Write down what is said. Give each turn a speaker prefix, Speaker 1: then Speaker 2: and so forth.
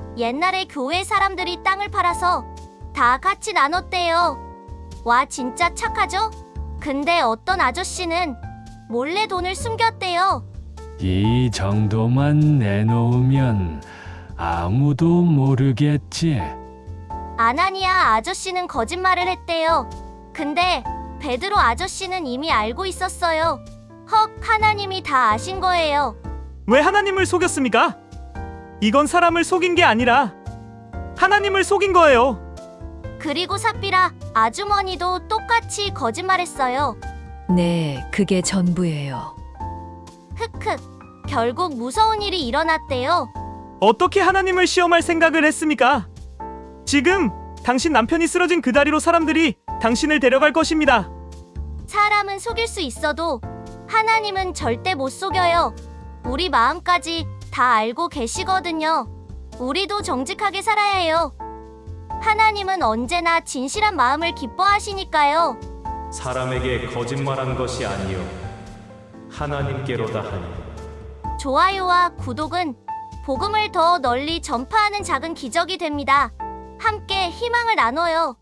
Speaker 1: 옛날에 교회 사람들이 땅을 팔아서 다 같이 나눴대요. 와, 진짜 착하죠? 근데 어떤 아저씨는 몰래 돈을 숨겼대요.
Speaker 2: 이 정도만 내놓으면 아무도 모르겠지.
Speaker 1: 아나니아 아저씨는 거짓말을 했대요. 근데 베드로 아저씨는 이미 알고 있었어요. 헉, 하나님이 다 아신 거예요.
Speaker 3: 왜 하나님을 속였습니까? 이건 사람을 속인 게 아니라 하나님을 속인 거예요.
Speaker 1: 그리고 삽비라 아주머니도 똑같이 거짓말했어요.
Speaker 4: 네, 그게 전부예요.
Speaker 1: 흑흑. 결국 무서운 일이 일어났대요.
Speaker 3: 어떻게 하나님을 시험할 생각을 했습니까? 지금 당신 남편이 쓰러진 그 다리로 사람들이 당신을 데려갈 것입니다.
Speaker 1: 사람은 속일 수 있어도 하나님은 절대 못 속여요. 우리 마음까지 다 알고 계시거든요. 우리도 정직하게 살아야 해요. 하나님은 언제나 진실한 마음을 기뻐하시니까요.
Speaker 5: 사람에게 거짓말한 것이 아니요 하나님께로다 하니
Speaker 1: 좋아요와 구독은 복음을 더 널리 전파하는 작은 기적이 됩니다. 함께 희망을 나눠요.